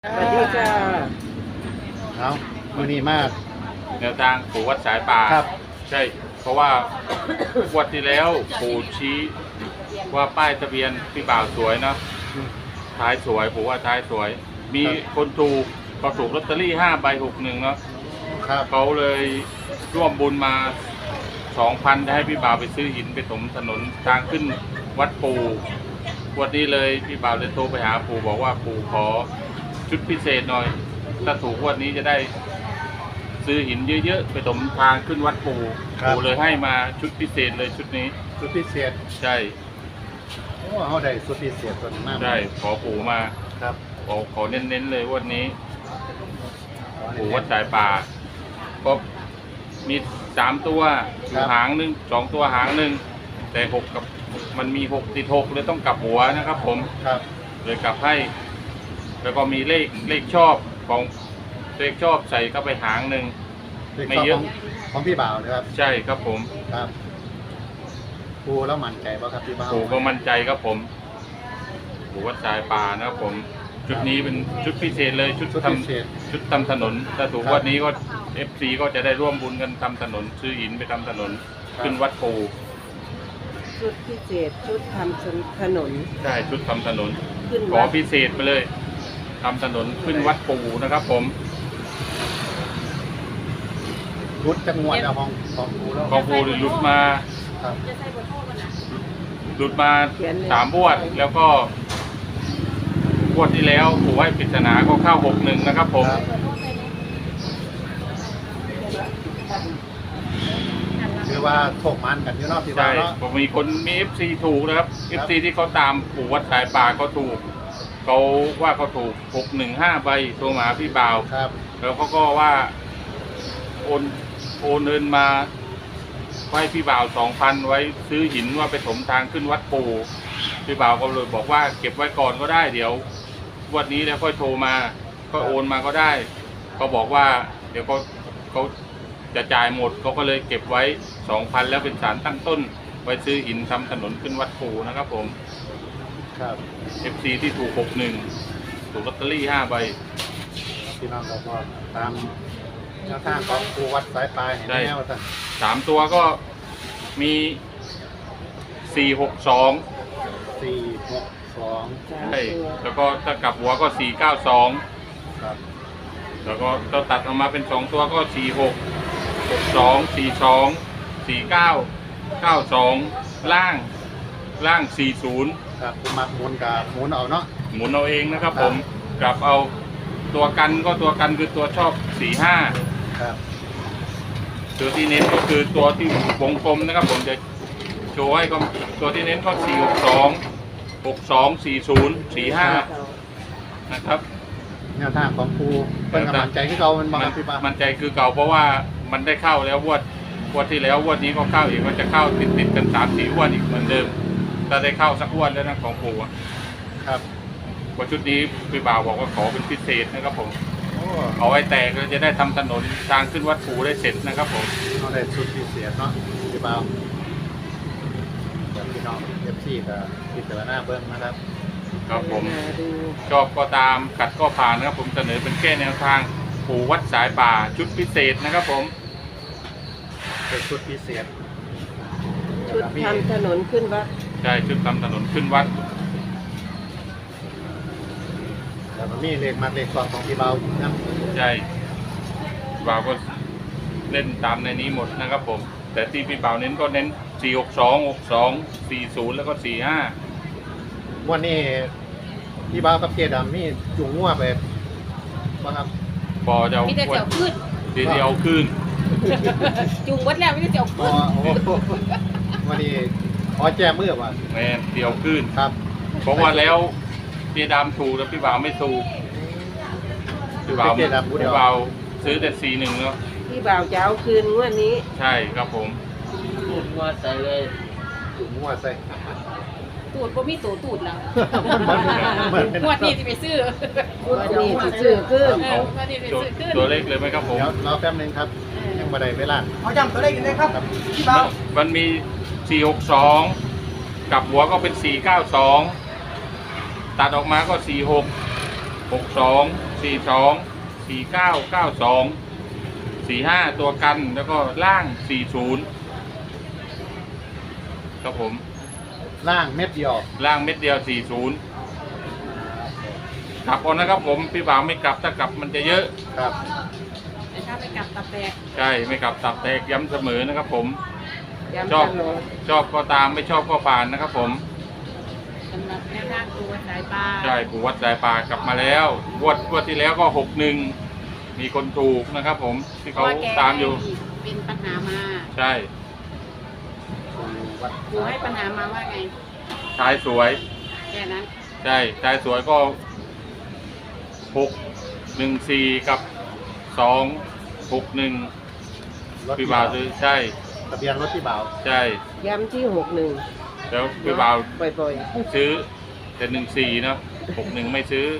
สวัสดีจ้าเอามือนี้มากแนวทางปู่วัดสายป่าครับใช่ เพราะว่า วันที่แล้วปู่ชี้ว่าป้ายทะเบียนพี่บ่าวสวยเนาะท้ายสวยปู่ว่าท้ายสวย มีคนถูกก็ถูกลอตเตอรี่5 ใบ 61เนาะครับเขาเลยร่วมบุญมา 2,000ให้พี่บ่าวไปซื้อหินไปถมถนนทางขึ้นวัดปู่วันนี้เลยพี่บ่าวเลยโทรไปหาปู่บอกว่าปู่ขอชุดพิเศษหน่อยถ้าถูกวันนี้จะได้ซื้อหินเยอะๆไปถมทางขึ้นวัดปู่ปู่เลยให้มาชุดพิเศษเลยชุดนี้สุดพิเศษใช่โอ้เขาได้สุดพิเศษตัวนี้มากใช่ขอปู่มาครับขอเน้นๆเลยวันนี้ปู่วัดสายป่าก็มี3 ตัวหางหนึ่ง2 ตัวหางหนึ่งแต่6กับมันมี6ติด6เลยต้องกลับหัวนะครับผมครับเลยกลับให้ แล้วก็มีเลขชอบของเลขชอบใส่เข้าไปหางหนึ่ง ไม่เยอะของพี่บ่าวนะครับใช่ครับผมครับปูแล้วมั่นใจป่ะครับพี่บ่าวปู่ก็มั่นใจครับผมปู่วัดสายป่านะครับผมชุดนี้เป็นชุดพิเศษเลยชุดสุดทพิเศษำชุดทำถนนถ้าถูกวันนี้ก็ FC ก็จะได้ร่วมบุญกันทำถนนซื้อหินไปทำถนนขึ้นวัดปู่ชุดพิเศษชุดทำถนนใช่ชุดทำถนนขึ้นขอวัดพิเศษไปเลยทำถนนขึ้นวัดปู่นะครับผมรุดจังหวัดเอาของปูแล้วของปู่หลุดมาครับหลุดมา3 บวดแล้วก็บวดที่แล้วปู่ให้ปริศนาก็เข้า61นะครับผมครับคือว่าโถกมันกันอยู่เนอกพี่บ่าใช่วเนาะผมมีคนมี FC ถูกนะครับ FC ที่เขาตามปู่วัดสายป่าเขาถูกเขาว่าเขาถูก615 ใบโทรมาหาพี่บ่าวครับแล้วเขาก็ว่าโอนเงินมาไว้พี่บ่าว 2,000 ไว้ซื้อหินว่าไปถมทางขึ้นวัดปู่พี่บ่าวก็เลยบอกว่าเก็บไว้ก่อนก็ได้เดี๋ยววันนี้แล้วค่อยโทรมาก็โอนมาก็ได้เขาบอกว่าเดี๋ยวเขาจะจ่ายหมดเขาก็เลยเก็บไว้ 2,000 แล้วเป็นสารตั้งต้นไว้ซื้อหินทำถนนขึ้นวัดปู่นะครับผมครับ FC ที่ถูก61ถูกลอตเตอรี่5 ใบพี่น้องก็บอกตามแนวทางของปูวัดสายปลายเห็นได้แนวท่าน 3 ตัวก็มี 462 462 สามใช่ตัวแล้วก็ถ้ากลับหัวก็ 492 ครับแล้วก็เราตัดออกมาเป็น 2 ตัวก็ 46 62 42 49 92 ล่าง 40 ครับคุณมักหมุนกับหมุนเอาเนาะหมุนเอาเองนะครับครับผมกลับเอาตัวกันก็ตัวกันคือตัวชอบ 45 ครับตัวที่เน้นก็คือตัวที่วงกลมนะครับผมจะโชว์ให้ก็ตัวที่เน้นก็ 462 62 40 45 นะครับแนวทางของครูเป็นกำลังใจให้เรามันมาพี่ป้ามันใจคือเก่าเพราะว่ามันได้เข้าแล้วงวดที่แล้วงวดนี้ก็เข้าอีกมันจะเข้าติดกัน3-4 งวดอีกเหมือนเดิมถ้าได้เข้าสักงวดแล้วนะของปู่อะครับพอชุดนี้พี่บ่าวบอกว่าขอเป็นพิเศษนะครับผมโอ้เอาไว้แตกเราจะได้ทำถนนทางขึ้นวัดปู่ได้เสร็จนะครับผมเราได้สุดพิเศษเนาะพี่ป้าเดี๋ยวพี่น้องเอฟซีกับพิจารณาเบิ้งนะครับครับผมดูชอบก็ตามขัดก็ผ่านนะครับผมเสนอเป็นแค่แนวทางปู่วัดสายป่าชุดพิเศษนะครับผมเป็นสุดพิเศษชุดทำถนนขึ้นวัดใช่ชุดทำถนนขึ้นวัดแล้วก็มีเลขมาเลขสองของพี่เบานะใช่บ่าวก็เล่นตามในนี้หมดนะครับผมแต่ที่พี่บ่าวเน้นก็เน้น 462 62 40 แล้วก็ 45 วันนี้พี่เบากับเจดำมีจุงงัวไปบ้างครับพอจะเอามีแต่เจียวขึ้นทีเดียวขึ้นจุงวัดแล้วมีแต่เจียวอ๋อขึ้นโอ้โหวันนี้ขอแจ้มือว่ะแม่นเดียวขึ้นครับเพราะว่าแล้วพี่ดำถูกแล้วพี่บ่าวไม่ถูกพี่บ่าวซื้อแต่ 41เนาะที่บ่าวจะเอาคืนงวดนี้ใช่ครับผมจุงงัวใส่ตูดก็มีตูดตูดแล้วเหมือนเป็นงวดนี้จะไปซื้องวดนี้สิซื้อขึ้นงวดนี้ไปตัวซื้อขึ้นตัวเลขเลยไหมครับผมเดี๋ยวรอแป๊บนึงครับยังไม่ได้เวลาเอาจำตัวเลขกันเลยครับพี่เบามันมี 462 กับหัวก็เป็น 492 ตัดออกมาก็ 46 62 45 ตัวกันแล้วก็ล่าง 40 ครับผมล่างเม็ดเดียวล่างเม็ดเดียว 40 กลับเอานะครับผมพี่บ่าวไม่กลับถ้ากลับมันจะเยอะครับแต่ถ้าไปกลับตับแตกใช่ไม่กลับตับแตกย้ำเสมอนะครับผมย้ำชอบตลอดชอบก็ตามไม่ชอบก็ผ่านนะครับผมสำหรับแนวทางตัวสายปลาใช่ปู่วัดสายป่ากลับมาแล้วงวดที่แล้วก็ 61 มีคนถูกนะครับผมที่เพเขาราะว่าแกตามอยู่เป็นปัญหามาใช่วัดครูให้ปัญหามาว่าไงชายสวยแค่นั้นใช่ชายสวยก็ 614 กับ 261 รถพี่บ่าวซื้อใช่ทะเบียนรถพี่บ่าวใช่ย้ำที่61 แล้วพี่บ่าวบ่อยซื้อแต่14เนาะ61ไม่ซื้อ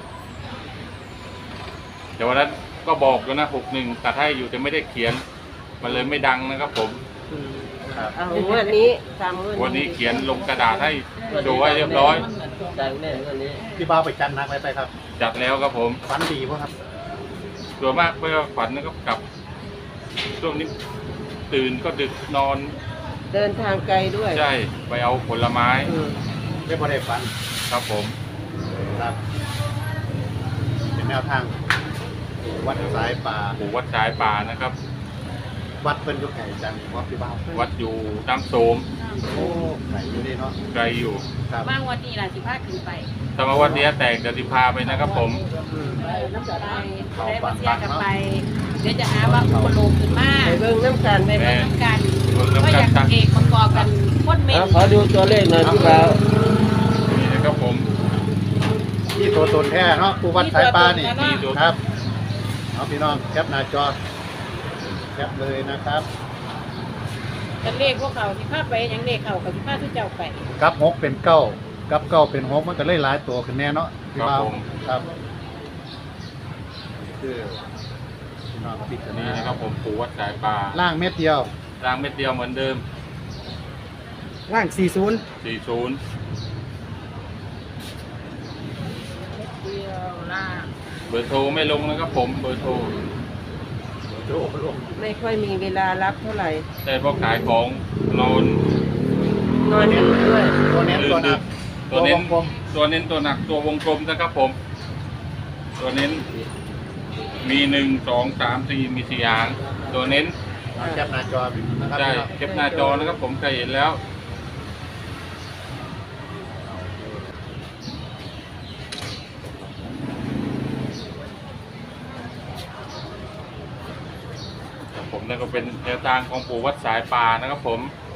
แต่วันนั้นก็บอกอยู่นะ61ตัดให้อยู่แต่ไม่ได้เขียนมันเลยไม่ดังนะครับผมๆอืมครับเอางวดนี้ตามวันนี้เขียนลงกระดาษให้โชว์ไว้เรียบร้อยพี่บ่าวไปจันนักไว้ไปครับจัดแล้วครับผมฝันดีป่ะครับส่วนมากเมื่อฝันนะครับกลับช่วงนี้ตื่นก็ดึกนอนเดินทางไกลด้วยใช่ไปเอาผลไม้อืมไม่พอได้ฝันครับผมครับเป็นแนวทาง วัดสายป่าปู่วัดสายป่านะครับวัดเป็นอยุคไหนจันวัดพี่บ่าววัดอยู่น้ำโสมโอ้ไหนอยู่ดีเนาะไกลอยู่ครับบ้างวันนี้ล่ะ15ขึ้นไปถ้ามาวันนี้แตกเดี๋ยวสิพาไปนะครับผมน้ำใจได้มาเสียกันไป เดี๋ยวจะหาว่าอุปโลกขึ้นมาไปเบิ่งน้ำกันไปเบิ่งน้ำกันเบิ่งน้ำก็กันอยากเอกประกอบกันพ่นเมนขอดูตัวเลขหน่อยพี่บ่าวนี่นะครับผมที่ตัวตนแท้เนาะผู้วัดสายป่านี่นี่ดูครับเอาพี่น้องแคปหน้าจอแคปเลยนะครับเป็นเลขพวกเขาที่พาไปอย่างเลขเขากับที่พาที่เจ้าไปกับหกเป็นเก้ากับเก้าเป็นหกมันก็เลยหลายตัวขึ้นแน่เนาะพี่บ่าวครับคือพี่น้องพิจารนี่ณานะครับผมปู่วัดสายป่าล่างเม็ดเดียวรางเม็ดเดียวเหมือนเดิมล่าง 40 40 เดียวล่างเบอร์โทรไม่ลงนะครับผมเบอร์โทรไม่ค่อยมีเวลารับเท่าไหร่แต่พอขายของนอนนอนดึกด้วยตัวเน้นตัวหนักตัวเน้นวงกลมตัวเน้นตัวหนักตัววงกลมนะครับผม ตัวเน้นมี1 2 3 4มี4หางตัวเน้นแคปหน้าจอนะครับใช่พี่น้องเก็บหน้าจอนะครับผมเคยเห็นแล้วครับผมนั่นก็เป็นแนวทางของปู่วัดสายป่านะครับผม